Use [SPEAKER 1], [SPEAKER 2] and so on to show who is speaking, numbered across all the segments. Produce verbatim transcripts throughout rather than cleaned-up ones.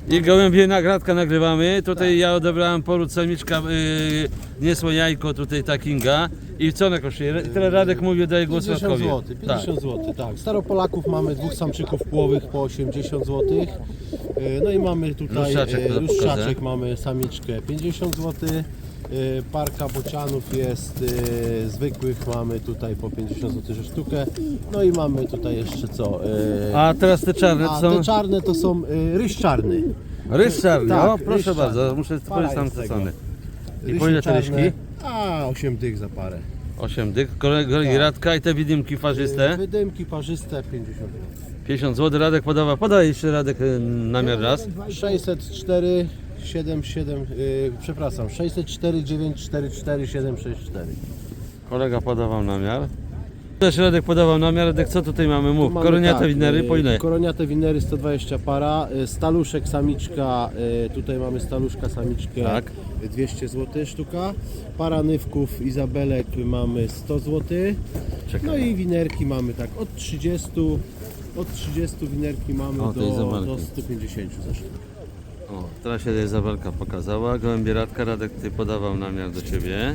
[SPEAKER 1] I gołębie nagradka nagrywamy. Tutaj tak. Ja odebrałem poród samiczka, yy, niesło jajko tutaj takinga. I co ona kosztuje? Tyle Radek mówił, daje głos
[SPEAKER 2] pięćdziesiąt
[SPEAKER 1] Radkowi.
[SPEAKER 2] złotych, pięćdziesiąt złotych, tak. Staropolaków mamy dwóch samczyków płowych po osiemdziesiąt złotych. No i mamy tutaj
[SPEAKER 1] Luszaczek,
[SPEAKER 2] e, luszaczek, mamy samiczkę pięćdziesiąt złotych. E, Parka bocianów jest e, zwykłych, mamy tutaj po pięćdziesiąt złotych za sztukę. No i mamy tutaj jeszcze co? E,
[SPEAKER 1] A teraz te czarne
[SPEAKER 2] a
[SPEAKER 1] są?
[SPEAKER 2] te czarne to są e, ryż czarny.
[SPEAKER 1] Ryż czarny,
[SPEAKER 2] Tak,
[SPEAKER 1] o proszę
[SPEAKER 2] ryż
[SPEAKER 1] bardzo,
[SPEAKER 2] czarny.
[SPEAKER 1] muszę
[SPEAKER 2] Para
[SPEAKER 1] spojrzeć tam
[SPEAKER 2] jest
[SPEAKER 1] co
[SPEAKER 2] tego.
[SPEAKER 1] ceny. I
[SPEAKER 2] Rysie
[SPEAKER 1] po ile te
[SPEAKER 2] czarne,
[SPEAKER 1] ryżki?
[SPEAKER 2] A, osiem dych za parę.
[SPEAKER 1] osiem dych, kolegi
[SPEAKER 2] Tak.
[SPEAKER 1] Radka i te widymki parzyste.
[SPEAKER 2] Wydymki parzyste pięćdziesiąt złotych.
[SPEAKER 1] pięćdziesiąt złotych Radek podawa, podaj jeszcze Radek y, namiar raz.
[SPEAKER 2] sześćset cztery siedem siedem, yy, przepraszam, sześćset cztery dziewięć cztery cztery siedem sześć cztery.
[SPEAKER 1] Kolega podawał namiar. Też Radek podawał namiar. Radek, co tutaj mamy? Mów,
[SPEAKER 2] Mamy
[SPEAKER 1] koroniate
[SPEAKER 2] tak,
[SPEAKER 1] winery, po ile?
[SPEAKER 2] Koroniate winery sto dwadzieścia para, y, staluszek samiczka, y, tutaj mamy staluszka samiczkę
[SPEAKER 1] Tak.
[SPEAKER 2] dwieście złotych sztuka, para nywków Izabelek mamy sto złotych,
[SPEAKER 1] Czekaj.
[SPEAKER 2] no i winerki mamy tak od trzydziestu, od trzydziestu winerki mamy
[SPEAKER 1] O, to
[SPEAKER 2] do,
[SPEAKER 1] Izabelki.
[SPEAKER 2] do stu pięćdziesięciu za sztukę.
[SPEAKER 1] O, teraz się Izabelka pokazała. Gołębie Radka, Radek ty podawał namiar do ciebie.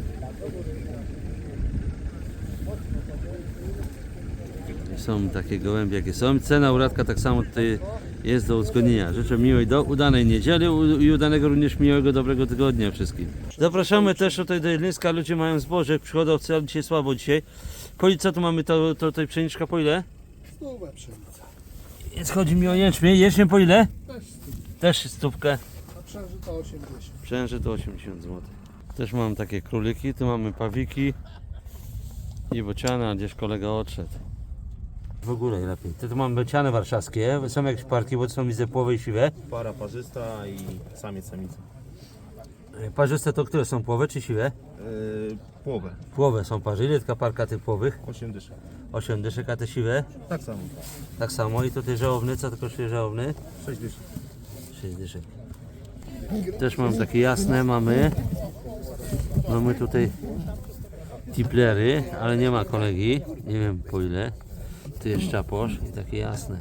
[SPEAKER 1] Są takie gołębie jakie są. Cena u Radka tak samo tutaj jest do uzgodnienia. Życzę miłej, do udanej niedzieli i udanego również miłego, dobrego tygodnia wszystkim. Zapraszamy też tutaj do Jedlińska. Ludzie mają zboże, przychodowcy, ale dzisiaj słabo dzisiaj. Po ile, co tu mamy, to, to tutaj pszeniczka po ile?
[SPEAKER 3] Stówę pszenica.
[SPEAKER 1] Jest, chodzi mi o jęczmień. Jęczmień po ile?
[SPEAKER 3] Też stówę.
[SPEAKER 1] Też stówkę.
[SPEAKER 3] A przężyta osiemdziesiąt.
[SPEAKER 1] Przęży to osiemdziesiąt złotych. Też mam takie króliki, tu mamy pawiki i bociana, a gdzieś kolega odszedł. W ogóle lepiej. Tu mamy bociany warszawskie, są jakieś parki, bo to są widzę płowe i siwe.
[SPEAKER 4] Para parzysta i samiec samica.
[SPEAKER 1] Parzyste to które są płowe czy siwe?
[SPEAKER 4] Yy, połowę.
[SPEAKER 1] Płowe są parzy. Ile taka parka tych płowych?
[SPEAKER 4] osiem dyszek.
[SPEAKER 1] osiem dyszek, a te siwe?
[SPEAKER 4] Tak samo.
[SPEAKER 1] Tak samo. I tutaj żałobny, co to kosztuje żałobny?
[SPEAKER 4] sześć dyszek.
[SPEAKER 1] sześć dyszek. Też mam takie jasne, mamy. Mamy tutaj tiplery, ale nie ma kolegi. Nie wiem po ile. Tu jest czaposz i takie jasne.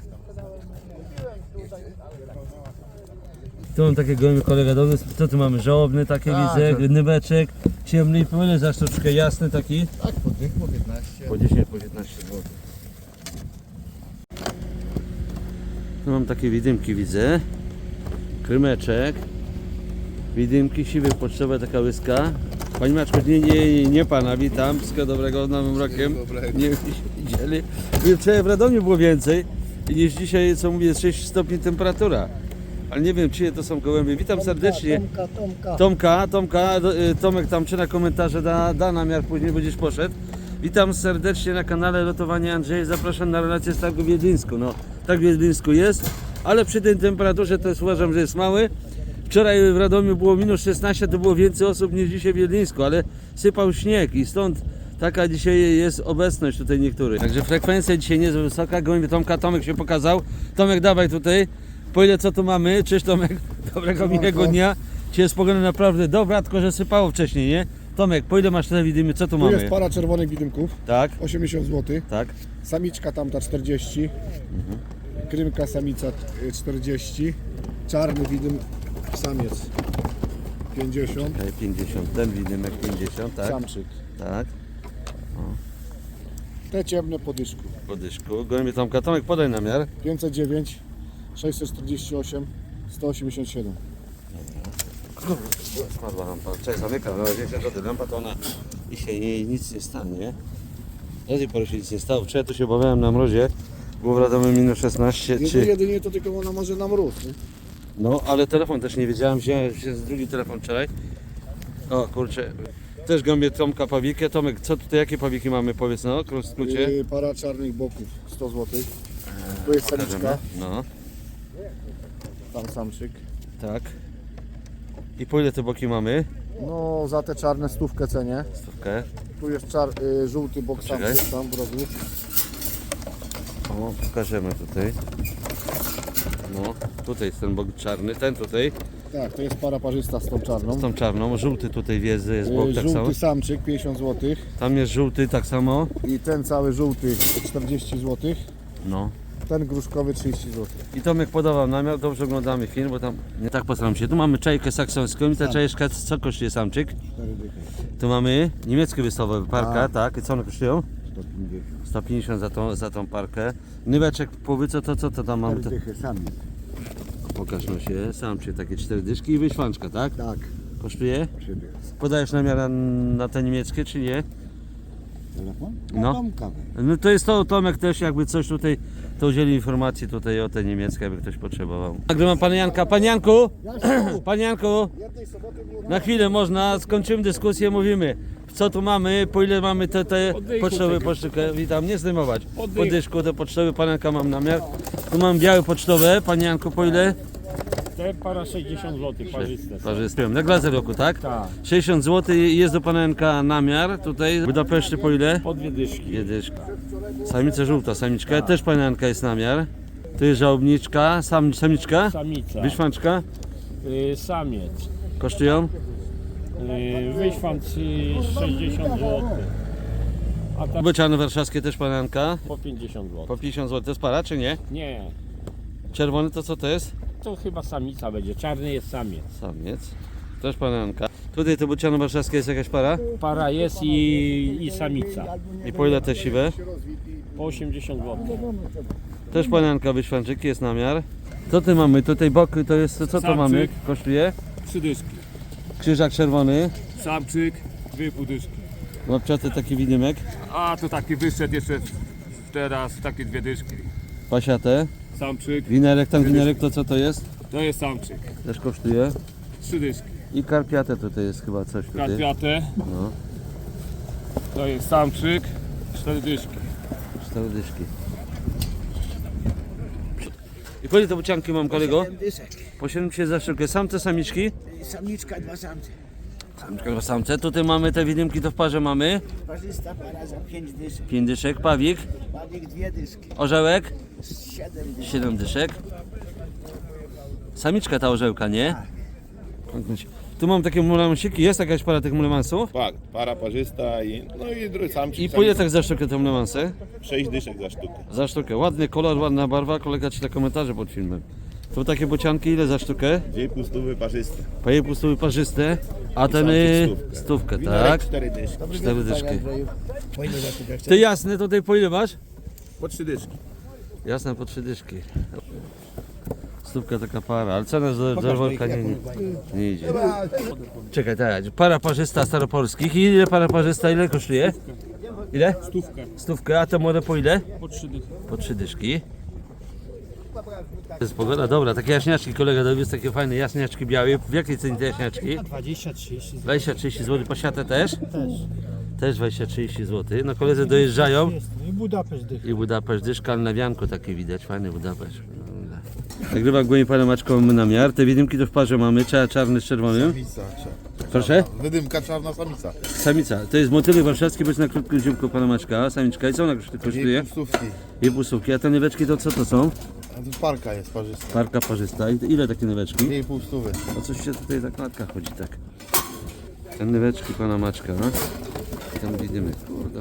[SPEAKER 1] Tu mam takie gołębie kolega dobry. Co tu mamy? Żałobny takie
[SPEAKER 3] Tak,
[SPEAKER 1] widzę,
[SPEAKER 3] tak.
[SPEAKER 1] nyweczek, ciemny i po ile za sztuczkę jasny taki?
[SPEAKER 3] Tak, po tych, po piętnaście.
[SPEAKER 1] Po dziesięć, po piętnaście złotych. Tu mam takie widymki widzę. Krymeczek. Widymki, siwy pocztowe, taka łyska. Pani Maczko, nie, nie, nie pana, witam. Wszystkiego dobrego, z Nowym Rokiem.
[SPEAKER 3] dobrego.
[SPEAKER 1] Nie widzieli. Wczoraj w Radomiu było więcej niż dzisiaj, co mówię, sześć stopni temperatura. Ale nie wiem, czyje to są gołębie. Witam serdecznie.
[SPEAKER 3] Tomka, Tomka.
[SPEAKER 1] Tomka, Tomka, do- y, Tomek tam czyta komentarze, da, da namiar później, będziesz poszedł. Witam serdecznie na kanale Lotowanie Andrzej. Zapraszam na relację z targu w Wiedlińsku. No, tak w Wiedlińsku jest, ale przy tej temperaturze to jest, uważam, że jest mały. Wczoraj w Radomiu było minus szesnaście, to było więcej osób niż dzisiaj w Wiedlińsku, ale sypał śnieg i stąd taka dzisiaj jest obecność tutaj niektórych. Także frekwencja dzisiaj nie jest wysoka. Gołębie Tomka, Tomek się pokazał. Tomek, dawaj tutaj. Po ile co tu mamy? Cześć Tomek, dobrego miłego dnia. Dzisiaj jest pogoda naprawdę dobra, tylko że sypało wcześniej, nie? Tomek, po ile masz te widymy? Co tu
[SPEAKER 3] Tu
[SPEAKER 1] mamy?
[SPEAKER 3] jest para czerwonych widymków,
[SPEAKER 1] Tak,
[SPEAKER 3] osiemdziesiąt złotych.
[SPEAKER 1] tak.
[SPEAKER 3] Samiczka tamta czterdzieści. Krymka samica y, czterdzieści. Czarny widym samiec pięćdziesiąt.
[SPEAKER 1] Okej, pięćdziesiąt, ten widymek pięćdziesiąt, tak?
[SPEAKER 3] Samczyk.
[SPEAKER 1] Tak,
[SPEAKER 3] Te ciemne po dyszku.
[SPEAKER 1] po dyszku. Gołębie Tomka, Tomek podaj namiar.
[SPEAKER 3] pięćset dziewięć, sześćset czterdzieści osiem, sto osiemdziesiąt siedem.
[SPEAKER 1] Spadła lampa, cześć, zamykam, no wiecie, że lampa to ona i się jej nic nie stanie. Do tej pory się nic nie stało. Wczoraj tu się obawiałem na mrozie, było w Radomiu minus szesnaście,
[SPEAKER 3] Jedynie,
[SPEAKER 1] czy...
[SPEAKER 3] jedynie to tylko ona może na mróz. Nie?
[SPEAKER 1] No, ale telefon też nie wiedziałem, wziąłem się z drugi telefon wczoraj. O kurczę, też gąbię Tomka pawikę. Tomek, co tutaj, jakie pawiki mamy, powiedz no, w skrócie.
[SPEAKER 3] Y, para czarnych boków sto złotych. Tu jest samiczka,
[SPEAKER 1] Pokażemy. No,
[SPEAKER 3] tam samczyk.
[SPEAKER 1] tak. I po ile te boki mamy?
[SPEAKER 3] No za te czarne stówkę cenię.
[SPEAKER 1] Stówkę.
[SPEAKER 3] Tu jest czar, y, żółty bok
[SPEAKER 1] Poczekaj.
[SPEAKER 3] samczyk tam w rogu.
[SPEAKER 1] O, pokażemy tutaj. No, tutaj jest ten bok czarny, ten tutaj
[SPEAKER 3] Tak, to jest para parzysta z tą czarną.
[SPEAKER 1] z tą czarną. Żółty tutaj wjeżdża, jest bok
[SPEAKER 3] Y,
[SPEAKER 1] tak
[SPEAKER 3] żółty
[SPEAKER 1] samo.
[SPEAKER 3] samczyk pięćdziesiąt złotych
[SPEAKER 1] Tam jest żółty tak samo.
[SPEAKER 3] i ten cały żółty czterdzieści złotych.
[SPEAKER 1] No,
[SPEAKER 3] Ten gruszkowy trzydzieści złotych.
[SPEAKER 1] I Tomek podawał namiar, dobrze oglądamy film, bo tam nie tak postaram się. Tu mamy czajkę saksońską i ta czajeczka, co kosztuje samczyk?
[SPEAKER 3] cztery dychy.
[SPEAKER 1] Tu mamy niemieckie wystawowe, parka, tak. I co one kosztują?
[SPEAKER 3] sto pięćdziesiąt.
[SPEAKER 1] sto pięćdziesiąt za tą, za tą parkę. Nyweczek powy, co to, co to tam mamy?
[SPEAKER 3] cztery dychy sami.
[SPEAKER 1] Pokaż no się, samczyk, takie cztery dyszki i wyśwanczka, tak?
[SPEAKER 3] Tak.
[SPEAKER 1] Kosztuje?
[SPEAKER 3] trzy dychy.
[SPEAKER 1] Podajesz namiar na, na te niemieckie, czy nie?
[SPEAKER 3] Telefon?
[SPEAKER 1] No.
[SPEAKER 3] Mam kawę.
[SPEAKER 1] No to jest to, Tomek też jakby coś tutaj, to udzieli informacji tutaj o te niemieckie, jakby ktoś potrzebował. Nagrywam pana Janka. Panie Janku! Panie Janku!
[SPEAKER 3] Jednej soboty było
[SPEAKER 1] Na chwilę można, skończymy dyskusję, mówimy. Co tu mamy, po ile mamy te, te pocztowe pocztówkę, witam, nie zdejmować. Po dyszku te pocztowe, pan Janka mam namiar. Tu mam białe pocztowe, panie Janku, po ile?
[SPEAKER 5] Te para sześćdziesiąt złotych parzyste.
[SPEAKER 1] Parzyste. Na glazę roku, tak?
[SPEAKER 5] Tak.
[SPEAKER 1] sześćdziesiąt złotych jest do pana Janka namiar, tutaj w Budapeszcie po ile?
[SPEAKER 5] Po dwie dyszki.
[SPEAKER 1] Dwie dyszki. Samica żółta, samiczka, też pana Janka jest namiar. Tu jest żałobniczka, sam, samiczka,
[SPEAKER 5] Samica.
[SPEAKER 1] wyszwanczka,
[SPEAKER 5] Y, samiec.
[SPEAKER 1] kosztują?
[SPEAKER 5] Y, wyświant y, sześćdziesiąt złotych. A ta
[SPEAKER 1] Bociany warszawskie też pana Janka,
[SPEAKER 5] po pięćdziesiąt
[SPEAKER 1] po
[SPEAKER 5] złotych.
[SPEAKER 1] pięćdziesiąt złotych, to jest para czy nie?
[SPEAKER 5] Nie,
[SPEAKER 1] Czerwony to co to jest?
[SPEAKER 5] to chyba samica będzie. Czarny jest samiec.
[SPEAKER 1] Samiec. Też pana Janka. Tutaj to bociany warszawskie jest jakaś para?
[SPEAKER 5] Para jest i, i samica.
[SPEAKER 1] I po ile te siwe?
[SPEAKER 5] Po osiemdziesiąt złotych.
[SPEAKER 1] Też pana Janka wyświanczyki jest namiar. Co ty mamy? Tutaj boky to jest, co to
[SPEAKER 6] Samczyk.
[SPEAKER 1] mamy? Kosztuje?
[SPEAKER 6] Trzy dyszki.
[SPEAKER 1] Krzyżak czerwony,
[SPEAKER 6] Samczyk, dwie pół dyszki.
[SPEAKER 1] łapczaty taki widymek,
[SPEAKER 6] A to taki wyszedł jeszcze teraz, takie dwie dyszki.
[SPEAKER 1] pasiate,
[SPEAKER 6] Samczyk,
[SPEAKER 1] winerek, tam winerek to co to jest?
[SPEAKER 6] to jest samczyk.
[SPEAKER 1] Też kosztuje.
[SPEAKER 6] Trzy dyszki.
[SPEAKER 1] I karpiate tutaj jest chyba coś tutaj.
[SPEAKER 6] Karpiate,
[SPEAKER 1] No,
[SPEAKER 6] to jest samczyk, cztery dyszki.
[SPEAKER 1] cztery dyszki. I po ile te bocianki mam kolego? Po siedemdziesiąt za sztukę. Samce, samiczki?
[SPEAKER 7] Samiczka, dwa samce.
[SPEAKER 1] Samiczka, dwa samce. Tutaj mamy te widymki, to w parze mamy.
[SPEAKER 7] Parzysta para za pięć dyszek.
[SPEAKER 1] pięć dyszek, pawik,
[SPEAKER 7] Ładnik dwie dyszki.
[SPEAKER 1] orzełek,
[SPEAKER 7] Siedem dyszek.
[SPEAKER 1] siedem dyszek. Samiczka ta orzełka, nie? Tu mam takie mulemansiki. Jest jakaś para tych mulemansów?
[SPEAKER 4] Tak, para parzysta i no i drugi samczyk.
[SPEAKER 1] I po ile tak za sztukę te mulemansy?
[SPEAKER 4] sześć dyszek za sztukę.
[SPEAKER 1] Za sztukę. Ładny kolor, ładna barwa. Kolega czyta komentarze pod filmem. Tu takie bocianki, ile za sztukę?
[SPEAKER 4] Dwie pustówy parzyste.
[SPEAKER 1] Po jej pustówy parzyste. A ten
[SPEAKER 4] samczyk
[SPEAKER 1] y,
[SPEAKER 4] stówkę.
[SPEAKER 1] stówkę,
[SPEAKER 4] Winerek
[SPEAKER 1] tak?
[SPEAKER 4] cztery dyszki.
[SPEAKER 1] Cztery dyszki.
[SPEAKER 7] Po ile za sztukę
[SPEAKER 1] Ty jasny, tutaj po ile masz?
[SPEAKER 4] Po trzy dyszki.
[SPEAKER 1] Jasne, po trzy dyszki. Stówka taka para, ale cena za za worka nie, nie, nie idzie. Czekaj, tak, para parzysta staropolskich. I ile para parzysta, ile kosztuje? Ile?
[SPEAKER 6] Stówkę.
[SPEAKER 1] Stówkę, a te młode po ile?
[SPEAKER 6] Po trzy dychy.
[SPEAKER 1] Po trzy dyszki. To jest pogoda dobra, takie jaśniaczki kolega dowiózł, takie fajne jaśniaczki białe. W jakiej cenie te jaśniaczki?
[SPEAKER 5] dwadzieścia trzydzieści
[SPEAKER 1] dwadzieścia trzydzieści złotych, pasiate też?
[SPEAKER 5] też.
[SPEAKER 1] Też dwadzieścia trzydzieści złotych. No koledzy dojeżdżają.
[SPEAKER 5] I Budapeszt dych.
[SPEAKER 1] I Budapeszt, dyszka na wianku takie widać, fajny Budapeszt. Nagrywa głębiej panem maczką namiar. Te widymki to w parze mamy, Cza- czarny z czerwonym.
[SPEAKER 4] Samica.
[SPEAKER 1] Proszę?
[SPEAKER 4] Wydymka czarna samica.
[SPEAKER 1] Samica. To jest motylek warszawski, być na krótkim ziomku pana maczka. Samiczka. I co ona kosztuje?
[SPEAKER 4] pustówki.
[SPEAKER 1] I półsłówki. A te nyweczki to co to są?
[SPEAKER 4] A tu parka jest parzysta.
[SPEAKER 1] Parka parzysta. I ile takie nyweczki?
[SPEAKER 4] Dwie pół stówy.
[SPEAKER 1] O coś się tutaj zakładka chodzi tak. Ten nyweczki pana maczka. No? Ten widymy, kurde.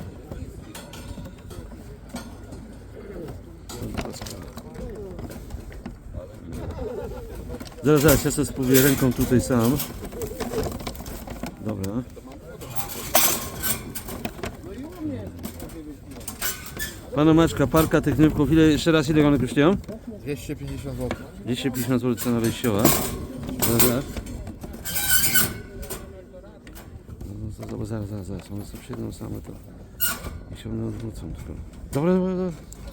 [SPEAKER 1] Zaraz, zaraz, ja sobie spróbuję ręką tutaj sam. Dobra. Pana Maczka, parka tych nywków, ile, jeszcze raz ile one kosztują?
[SPEAKER 4] dwieście pięćdziesiąt złotych.
[SPEAKER 1] dwieście pięćdziesiąt złotych cena wejściowa. Zaraz, zaraz. No, to- to- zaraz, zaraz, zaraz, one sobie przyjdą same, to i się one odwrócą tylko. Dobra, dobra, dobra.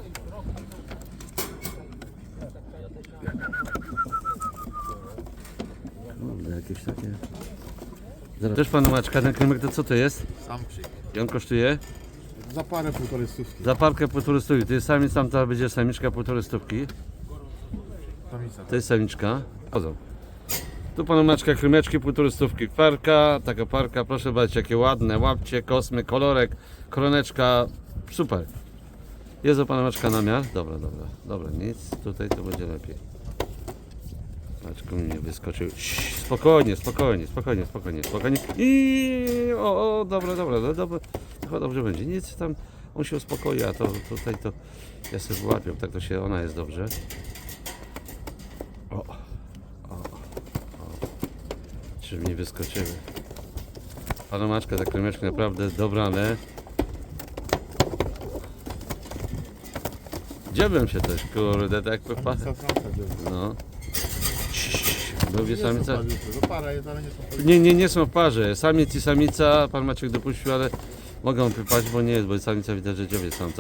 [SPEAKER 1] Kurde, jakieś takie... Zaraz. Też pana Maczka, ten kremek to co to jest?
[SPEAKER 4] Samczyk.
[SPEAKER 1] I on kosztuje?
[SPEAKER 4] Za parę półtorej stówki.
[SPEAKER 1] Za parkę półtorej stówki. To jest samiec, tamta będzie samiczka półtorej stówki.
[SPEAKER 4] Samica.
[SPEAKER 1] To jest samiczka. Chodzą. Tu panu Maczka krymeczki, półtorej stówki. Parka, taka parka, proszę bardzo, jakie ładne, łapcie, kosmy, kolorek, koroneczka, super. Jest do pana Maczka namiar? Dobra, dobra, dobra, nic, tutaj to będzie lepiej. Maczku mi nie wyskoczył. Cii, spokojnie, spokojnie, spokojnie, spokojnie, spokojnie. I o, o dobra, dobra, dobra, dobra. Chyba dobrze będzie, nic tam. on się uspokoi, a to tutaj to ja sobie wyłapię, tak to się, ona jest dobrze. O, o, o. Żeby nie wyskoczyły. Panomaczka, te kremeczki naprawdę dobrane. Dziabłem się też, kurde, tak jak pa... No. Lubię samica?
[SPEAKER 4] To para jest, ale nie są
[SPEAKER 1] Nie, nie, nie są w parze. Samiec i samica, pan Maciek dopuścił, ale mogą wypaść, bo nie jest, bo samica widać, że dziobie samca.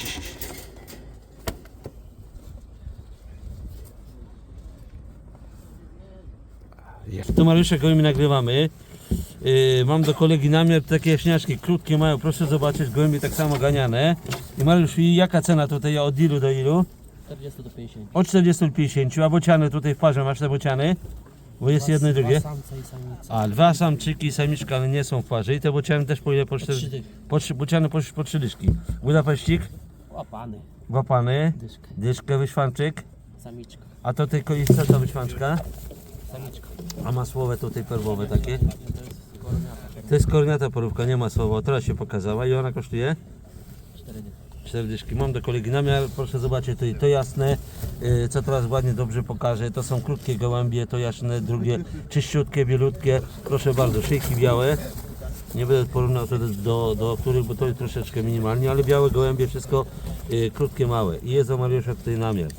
[SPEAKER 1] To Mariuszek, gołymi nagrywamy. Yy, mam do kolegi namiar, takie jaśniaczki, krótkie mają, proszę zobaczyć, gołębie tak samo ganiane. I Mariusz, i jaka cena tutaj, od ilu do ilu?
[SPEAKER 8] czterdzieści do pięćdziesięciu.
[SPEAKER 1] Od czterdziestu do pięćdziesięciu, a bociany tutaj w parze, masz te bociany? Bo jest jedno i drugie.
[SPEAKER 8] Samca i samica.
[SPEAKER 1] A, dwa samczyki i samiczka, ale nie są w parze. I te bociany też po ile? Po cztery?
[SPEAKER 8] trzy dychy.
[SPEAKER 1] Po trzy, bociany po, po trzy dyszki. Budapeścik,
[SPEAKER 8] Łapany.
[SPEAKER 1] łapany,
[SPEAKER 8] Dyszkę.
[SPEAKER 1] dyszkę, wyświanczyk.
[SPEAKER 8] Samiczka.
[SPEAKER 1] A to tylko jest co ta wyświanczka?
[SPEAKER 8] Samiczka.
[SPEAKER 1] A masłowe tutaj perłowe takie.
[SPEAKER 8] To jest koroniata.
[SPEAKER 1] To jest korniata porówka, nie masłowa. Teraz się pokazała i ona kosztuje?
[SPEAKER 8] cztery dychy.
[SPEAKER 1] cztery dyszki. Mam do kolegi namiar, proszę zobaczyć tutaj to jasne, yy, co teraz ładnie dobrze pokażę. To są krótkie gołębie, to jasne, drugie czyściutkie, bielutkie. Proszę bardzo, szyjki białe. Nie będę porównał to do, do, do których, bo to jest troszeczkę minimalnie, ale białe gołębie, wszystko yy, krótkie, małe. I jest o Mariusza tutaj namiar.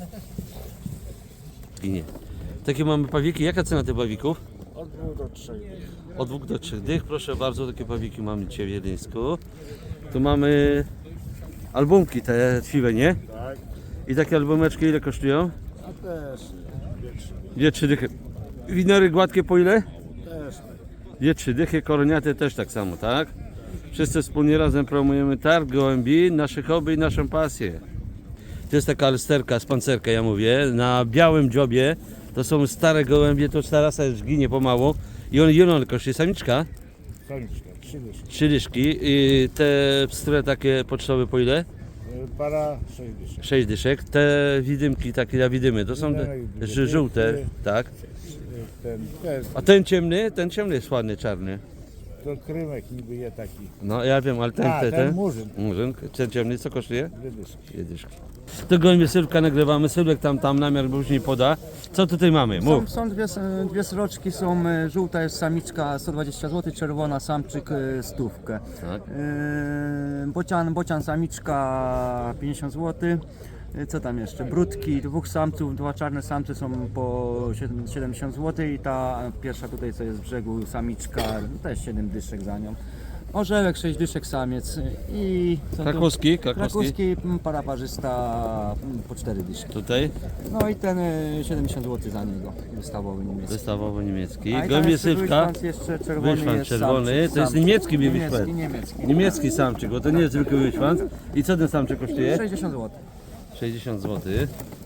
[SPEAKER 1] I nie. Takie mamy pawiki. Jaka cena tych pawików?
[SPEAKER 3] Od dwóch do trzech.
[SPEAKER 1] Od dwóch do trzech dych. Proszę bardzo, takie pawiki mamy dzisiaj w Wiedeńsku. Tu mamy albumki te twiwe, nie?
[SPEAKER 3] Tak.
[SPEAKER 1] I takie albumeczki ile kosztują?
[SPEAKER 3] A też dwie, trzy.
[SPEAKER 1] Dwie, trzy dychy. Winery gładkie po ile?
[SPEAKER 3] Też.
[SPEAKER 1] Dwie, trzy dychy, koroniaty też tak samo, tak? Wszyscy wspólnie razem promujemy targ gołębi, nasze hobby i naszą pasję. To jest taka alsterka z pancerka, ja mówię, na białym dziobie. To są stare gołębie, to ta rasa już ginie pomału. I on, i on kosztuje samiczka?
[SPEAKER 3] Samiczka, trzy dyszki.
[SPEAKER 1] Trzy dyszki. I te pstre takie pocztowe po ile?
[SPEAKER 3] Y, Para sześć dyszek.
[SPEAKER 1] Sześć dyszek. Te widymki, takie ja widymy, to są te
[SPEAKER 3] Widymy,
[SPEAKER 1] ż- żółte, tak?
[SPEAKER 3] Y, Ten, ten,
[SPEAKER 1] A ten ciemny, ten ciemny jest ładny, czarny.
[SPEAKER 3] to krymek niby je taki.
[SPEAKER 1] No ja wiem, ale ten,
[SPEAKER 3] A,
[SPEAKER 1] te,
[SPEAKER 3] ten
[SPEAKER 1] ten,
[SPEAKER 3] murzyn.
[SPEAKER 1] murzyn, ten ciemny, co kosztuje?
[SPEAKER 3] Dwie dyszki.
[SPEAKER 1] Dwie dyszki. To gołębie Sylwka nagrywamy, Sylwek tam, tam namiar później poda. Co tutaj mamy? Mów.
[SPEAKER 9] Są, są dwie, dwie sroczki, są e, żółta jest samiczka sto dwadzieścia złotych, czerwona samczyk e, stówkę.
[SPEAKER 1] Tak.
[SPEAKER 9] E, bocian, bocian samiczka pięćdziesiąt złotych. E, Co tam jeszcze? Brudki, dwóch samców, dwa czarne samce są po siedemdziesiąt złotych i ta pierwsza tutaj co jest z brzegu samiczka też siedem dyszek za nią. Orzełek sześć dyszek samiec i co tu?
[SPEAKER 1] Krakowski, krakowski.
[SPEAKER 9] Krakowski m, para parzysta m, po cztery dyszki.
[SPEAKER 1] Tutaj
[SPEAKER 9] No i ten e, siedemdziesiąt złotych za niego, wystawowy niemiecki.
[SPEAKER 1] wystawowo niemiecki.
[SPEAKER 9] A i tam
[SPEAKER 1] Gołębie
[SPEAKER 9] jeszcze
[SPEAKER 1] Sylwka.
[SPEAKER 9] wyszwanc jeszcze czerwony
[SPEAKER 1] Wyszwanc
[SPEAKER 9] jest
[SPEAKER 1] czerwony,
[SPEAKER 9] samczyk,
[SPEAKER 1] to jest
[SPEAKER 9] samczyk.
[SPEAKER 1] niemiecki mi
[SPEAKER 9] niemiecki,
[SPEAKER 1] wyszwanc.
[SPEAKER 9] niemiecki.
[SPEAKER 1] Niemiecki samczyk, bo to nie jest zwykły wyszwanc. I co ten samczyk kosztuje?
[SPEAKER 9] sześćdziesiąt złotych.
[SPEAKER 1] sześćdziesiąt złotych.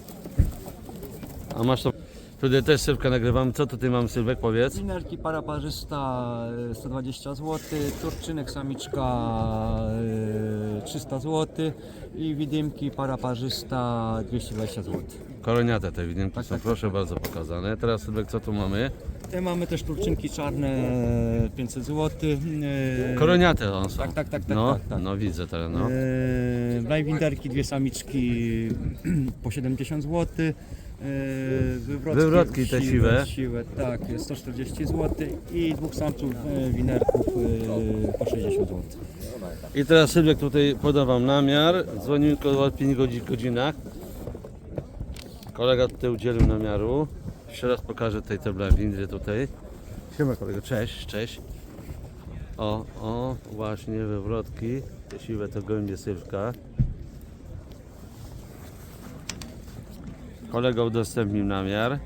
[SPEAKER 1] A masz to... Tutaj też Sylwka nagrywamy. Co tutaj mamy, Sylwek, powiedz?
[SPEAKER 9] Winerki para parzysta e, sto dwadzieścia złotych, turczynek samiczka e, trzysta złotych i widymki para parzysta dwieście dwadzieścia złotych.
[SPEAKER 1] Koroniate te widymki
[SPEAKER 9] Tak,
[SPEAKER 1] są,
[SPEAKER 9] tak,
[SPEAKER 1] proszę bardzo, pokazane. Teraz Sylwek, co tu mamy?
[SPEAKER 9] Te mamy też turczynki czarne pięćset złotych. E,
[SPEAKER 1] Koroniate one są.
[SPEAKER 9] Tak, tak, tak, tak,
[SPEAKER 1] No,
[SPEAKER 9] tak, tak.
[SPEAKER 1] no widzę teraz, no.
[SPEAKER 9] Eee, Blajwinderki, dwie samiczki po siedemdziesiąt złotych. Eee, wywrotki,
[SPEAKER 1] Wywrotki te siwe.
[SPEAKER 9] siwe. Tak, jest sto czterdzieści złotych i dwóch samców e, winerków e, po sześćdziesiąt złotych.
[SPEAKER 1] I teraz Sylwek tutaj poda wam namiar. Dzwonimy po pięciu godzinach. Kolega tutaj udzielił namiaru. Jeszcze raz pokażę tutaj te blawindry tutaj. Siema kolego, cześć, cześć. O, o, właśnie wywrotki. Te siwe to gołębie Sylwka. Kolega udostępnił namiar.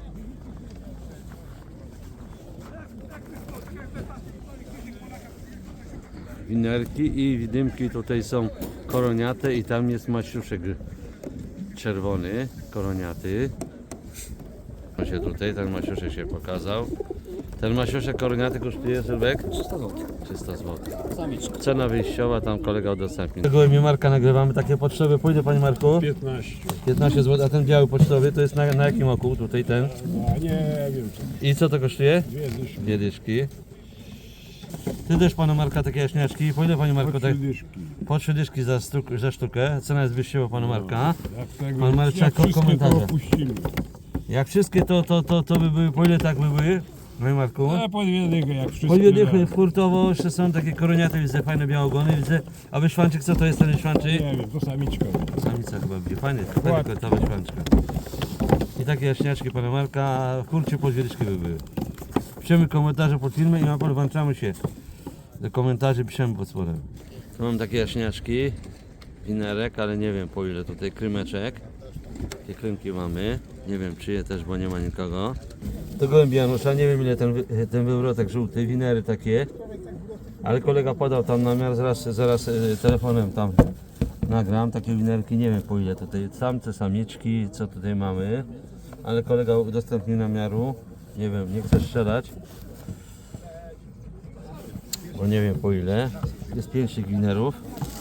[SPEAKER 1] Winerki i widymki tutaj są koroniate i tam jest maciuszek czerwony, koroniaty. On się tutaj, ten maciuszek się pokazał. Ten maciuszek koroniaty kosztuje, Sylwek?
[SPEAKER 9] trzysta złotych.
[SPEAKER 1] trzysta złotych.
[SPEAKER 9] Samiczka.
[SPEAKER 1] Cena wyjściowa, tam kolega udostępnił. Tego imię Marka nagrywamy, takie pocztowe. Pójdę, panie Marku?
[SPEAKER 3] piętnaście.
[SPEAKER 1] piętnaście złotych, a ten biały pocztowy to jest na, na jakim oku? Tutaj ten.
[SPEAKER 3] A nie wiem co.
[SPEAKER 1] I co to kosztuje?
[SPEAKER 3] Dwie dyszki.
[SPEAKER 1] Dwie dyszki. Ty też pana Marka takie jaśniaczki. Po ile, panie Marku, tak?
[SPEAKER 3] dyszki.
[SPEAKER 1] Po trzy dyszki za, sztuk, za sztukę. Cena jest wyjściowa pana Marka. Pan Marek ko komentarze. Jak wszystkie to, to, to, to by były, po ile tak by były? Panie Marku?
[SPEAKER 5] A po dwie dychy jak wszystkie.
[SPEAKER 1] Po dwie dychy hurtowo, jeszcze są takie koroniate, widzę, fajne białogony, widzę. A wyszwanczyk, co to jest ten wyszwanczyk?
[SPEAKER 5] Nie wiem, to samiczka.
[SPEAKER 1] Samica chyba będzie, fajny, fajny ta wyszwanczka. I takie jaśniaczki pana Marka, a w kurcie po dwie dyszki by były. Piszemy komentarze pod filmem i ma pan włączamy się. Do komentarzy piszemy pod spodem. Tu mam takie jaśniaczki, winerek, ale nie wiem po ile tutaj krymeczek. Takie krymki mamy, nie wiem czyje też, bo nie ma nikogo. To gołębi Janusza, nie wiem ile ten, wy- ten wywrotek żółty, winery takie. Ale kolega podał tam namiar, zaraz, zaraz y, telefonem tam nagram takie winerki, nie wiem po ile tutaj. Samce, samiczki, co tutaj mamy. Ale kolega udostępnił namiaru, nie wiem, nie chcę strzelać. Bo nie wiem po ile. Jest pięć tych winerów.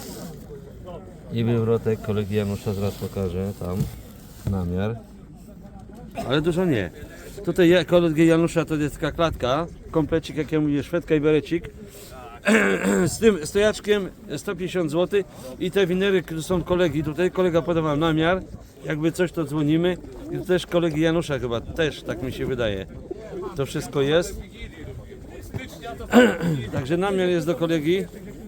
[SPEAKER 1] I wywrotek kolegi Janusza, zaraz pokażę tam namiar. Ale dużo nie. Tutaj ja- kolegi Janusza to jest taka klatka, komplecik jak ja mówię, szwedka i berecik. Z tym stojaczkiem sto pięćdziesiąt złotych i te winery, które są kolegi tutaj, kolega podawał namiar, jakby coś to dzwonimy. I to też kolegi Janusza chyba, też tak mi się wydaje. To wszystko jest. Także namiar jest do kolegi.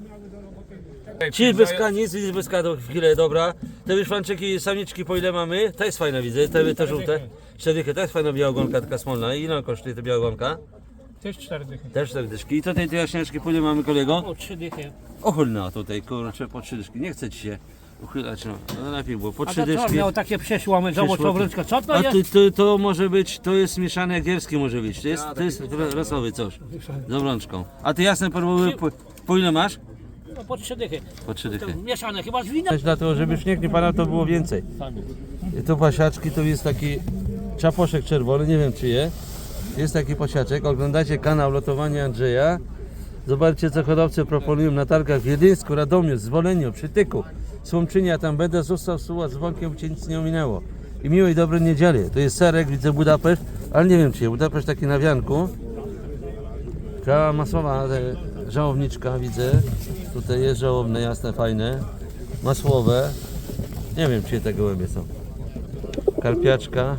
[SPEAKER 1] Ci bez K, nic, nic bez K, to chwilę, dobra. Te wyszwanczyki, samiczki po ile mamy? To jest fajna, widzę, te, te żółte. Cztery, to jest fajna białogonka, taka smolna. Ile ona kosztuje ta białogonka?
[SPEAKER 5] Też cztery dychy.
[SPEAKER 1] Też cztery dyszki. I tutaj te jaśniaczki, po ile mamy kolego?
[SPEAKER 5] O trzy dychy.
[SPEAKER 1] Ochylna tutaj, kurczę, po trzy dyszki. Nie chce ci się uchylać, no. No lepiej było, po
[SPEAKER 5] A
[SPEAKER 1] trzy
[SPEAKER 5] to co,
[SPEAKER 1] dyszki.
[SPEAKER 5] miał takie przeszłamy, zobacz
[SPEAKER 1] Przeszło-
[SPEAKER 5] obrączka. Co to
[SPEAKER 1] A
[SPEAKER 5] jest?
[SPEAKER 1] to, to, to może być, to jest mieszane egierskie może być. To jest, to jest rasowy coś. Z obrączką. A ty jasne perłowy, po, po ile masz?
[SPEAKER 5] No po trzy dychy.
[SPEAKER 1] Po trzy dychy.
[SPEAKER 5] Mieszane chyba z winem.
[SPEAKER 1] Dlatego, żeby śnieg nie padał, to było więcej. I tu pasiaczki, to jest taki czaposzek czerwony, nie wiem czy je. Jest taki pasiaczek, oglądacie kanał Lotowanie Andrzeja. Zobaczcie co hodowcy proponują na targach w Wiedyńsku, Radomiu, Zwoleniu, Przytyku, Słomczynie, ja tam będę, został suła z dzwonkiem, cię nic nie ominęło. I miłej, dobrej niedzieli. To jest serek, widzę Budapeszt, ale nie wiem czy je. Budapeszt taki na wianku. Cała masłowa e, żałowniczka widzę. Tutaj jest żałobne, jasne, fajne. Masłowe. Nie wiem czyje te gołębie są. Karpiaczka.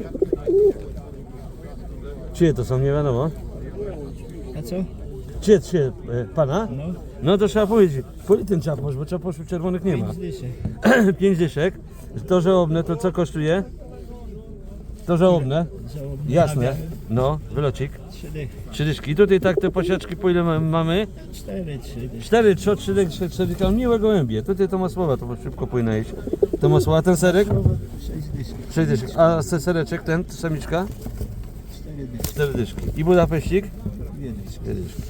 [SPEAKER 1] Czyje to są, nie wiadomo.
[SPEAKER 7] A co?
[SPEAKER 1] Czyje, czyje, e, pana? No. No to trzeba powiedzieć. Po ile ten czaposz, bo czaposzów czerwonych nie ma. Pięć dyszek. To żałobne, to co kosztuje? To żałobne. Jasne. No, wylocik. Trzy dyszki. Tutaj tak te posiaczki po ile ma- mamy?
[SPEAKER 7] Cztery, trzy.
[SPEAKER 1] Cztery, trzy, trzy, trzy, cztery, tam miłe gołębie. Tutaj to masłowa, to szybko powinna iść. To masłowa, a ten serek?
[SPEAKER 7] Sześć dyszek.
[SPEAKER 1] Sześć dyszek. A se- sereczek, ten, samiczka?
[SPEAKER 7] Cztery dyszki.
[SPEAKER 1] Cztery dyszki. I Budapeścik?
[SPEAKER 7] Dwie dyszki.
[SPEAKER 1] Dwie dyszki.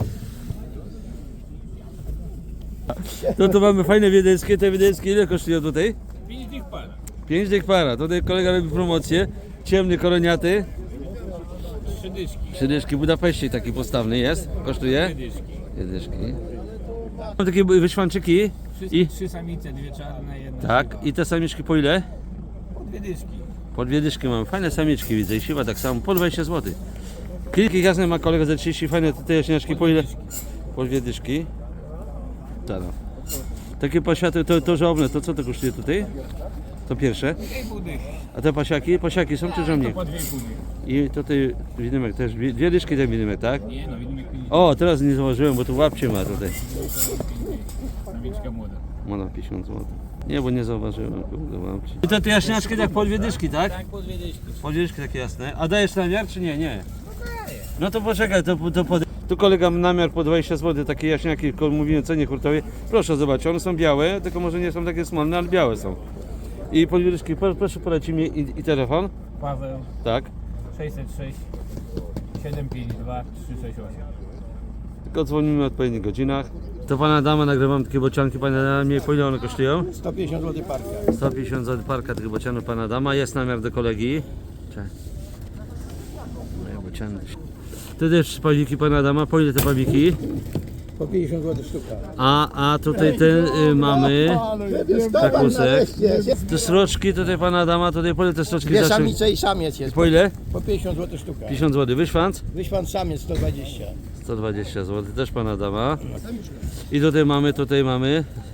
[SPEAKER 1] No to mamy fajne wiedeńskie, te wiedeńskie ile kosztują tutaj?
[SPEAKER 5] Pięć dych para.
[SPEAKER 1] Pięć dych para. Tutaj kolega robi promocję. Ciemny, koroniaty.
[SPEAKER 5] Trzy dyszki.
[SPEAKER 1] Trzy dyszki. Budapeścik taki postawny jest. Kosztuje? Dwie dyszki. Mam takie wyszwanczyki. I,
[SPEAKER 5] Trzy samice, dwie czarne, jedna.
[SPEAKER 1] tak. I te samiczki po ile?
[SPEAKER 5] Dwie dyszki.
[SPEAKER 1] Po dwie dyszki mamy. Fajne samiczki widzę. I siła tak samo. Po dwadzieścia złotych. Kilki jasne ma kolega za trzydzieści. Fajne te jaśniaczki po ile? Po dwie dyszki. Tak. Takie pasiaty to, to żałobne. To co to kosztuje tutaj? To pierwsze. A te pasiaki? Pasiaki są czy żołnierze?
[SPEAKER 5] Po dwie i pół dychy.
[SPEAKER 1] I tutaj widymek też. Dwie dwie dyszki ten widymek, tak?
[SPEAKER 5] Nie no, widzimy pięćdziesiąt.
[SPEAKER 1] O, teraz nie zauważyłem, bo tu łapcie ma tutaj.
[SPEAKER 5] Samiczka młoda.
[SPEAKER 1] Moda pięćdziesiąt złotych. Nie, bo nie zauważyłem, kurde, łapcie. I te, te jaśniaczki tak po dwie dyszki, tak?
[SPEAKER 5] Tak, po dwie dyszki.
[SPEAKER 1] Po dwie dyszki takie jasne. A dajesz namiar czy nie? Nie. No to poczekaj, to, to pod... Tu kolega namiar po dwadzieścia złotych, takie jaśniaki, tylko mówiłem o cenie hurtowej. Proszę zobaczyć, one są białe, tylko może nie są takie smolne, ale białe są. I po dwie dyszki, Pro- proszę polecić mi i, i telefon.
[SPEAKER 5] Paweł
[SPEAKER 1] Tak.
[SPEAKER 5] sześćset sześć siedem pięć dwa trzy sześć osiem.
[SPEAKER 1] Tylko dzwonimy w odpowiednich godzinach. To pana dama, nagrywam takie bocianki, pana dama, po ile one kosztują?
[SPEAKER 7] sto pięćdziesiąt złotych parka.
[SPEAKER 1] sto pięćdziesiąt złotych parka tych bocianów pana dama, jest namiar do kolegi. Cześć. Moje bociany. Tu też pawiki pana dama, po ile te pawiki?
[SPEAKER 7] Po pięćdziesiąt złotych sztuka.
[SPEAKER 1] A, a tutaj ten y, mamy takusek. Te sroczki tutaj pana dama, tutaj po ile te sroczki
[SPEAKER 7] Dwie
[SPEAKER 1] zaczą-
[SPEAKER 7] samice i samiec jest.
[SPEAKER 1] Po ile?
[SPEAKER 7] Po pięćdziesiąt złotych sztuka.
[SPEAKER 1] pięćdziesiąt złotych. Wyszwanc?
[SPEAKER 7] Wyśwan samiec sto dwadzieścia.
[SPEAKER 1] sto dwadzieścia złotych, też pana dama. I tutaj mamy, tutaj mamy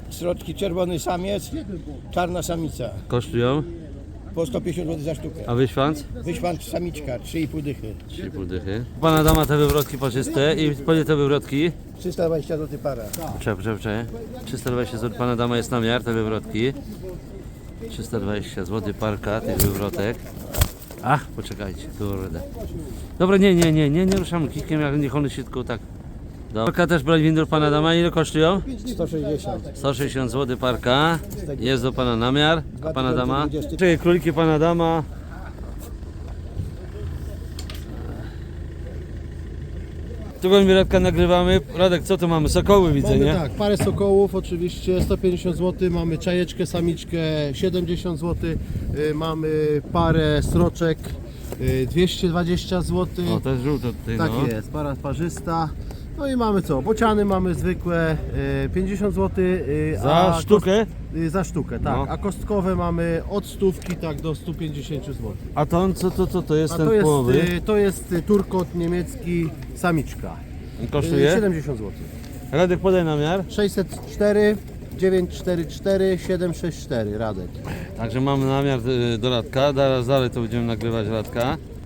[SPEAKER 7] Środki czerwony samiec, czarna samica.
[SPEAKER 1] Kosztują?
[SPEAKER 7] Po sto pięćdziesiąt złotych za sztukę.
[SPEAKER 1] A wyświanc?
[SPEAKER 7] Wyświanc samiczka, trzy i pół dychy.
[SPEAKER 1] trzy pół dychy. Pana dama te wywrotki parzyste i powie te wywrotki.
[SPEAKER 7] trzysta dwadzieścia złotych para.
[SPEAKER 1] Czep, czep, czep. trzysta dwadzieścia złotych. Pana dama jest na miar, te wywrotki. trzysta dwadzieścia złotych parka tych wywrotek. Ach, poczekajcie, kurde. Dobra, nie, nie, nie, nie, nie ruszamy kikiem, jak niech one się tylko tak. Parka też brać windur pana dama, ile kosztują?
[SPEAKER 7] sto sześćdziesiąt.
[SPEAKER 1] sto sześćdziesiąt złotych parka. Jest do pana namiar, a pana dama? Czekaj, króliki pana dama. Tu mi Radka nagrywamy. Radek, co tu mamy? Sokoły widzę,
[SPEAKER 2] Mamy
[SPEAKER 1] nie?
[SPEAKER 2] tak, parę sokołów oczywiście, sto pięćdziesiąt złotych, mamy czajeczkę, samiczkę siedemdziesiąt złotych, y, mamy parę sroczek y, dwieście dwadzieścia złotych.
[SPEAKER 1] O, to jest żółto tutaj,
[SPEAKER 2] Tak
[SPEAKER 1] no.
[SPEAKER 2] jest, para parzysta. No i mamy co? Bociany mamy zwykłe y, pięćdziesiąt złotych. Y,
[SPEAKER 1] Za
[SPEAKER 2] a
[SPEAKER 1] sztukę?
[SPEAKER 2] Kost, y, za sztukę, tak.
[SPEAKER 1] No.
[SPEAKER 2] A kostkowe mamy od stówki tak do stu pięćdziesięciu złotych.
[SPEAKER 1] A to, co to, to, to jest
[SPEAKER 2] A
[SPEAKER 1] ten
[SPEAKER 2] to jest,
[SPEAKER 1] połowy?
[SPEAKER 2] y, to jest y, turkot niemiecki, samiczka. Y,
[SPEAKER 1] Kosztuje?
[SPEAKER 2] siedemdziesiąt złotych.
[SPEAKER 1] Radek, podaj namiar.
[SPEAKER 2] sześćset cztery, dziewięćset czterdzieści cztery, siedemset sześćdziesiąt cztery, Radek.
[SPEAKER 1] Także mamy namiar y, do Radka. Zaraz dalej to będziemy nagrywać Radka.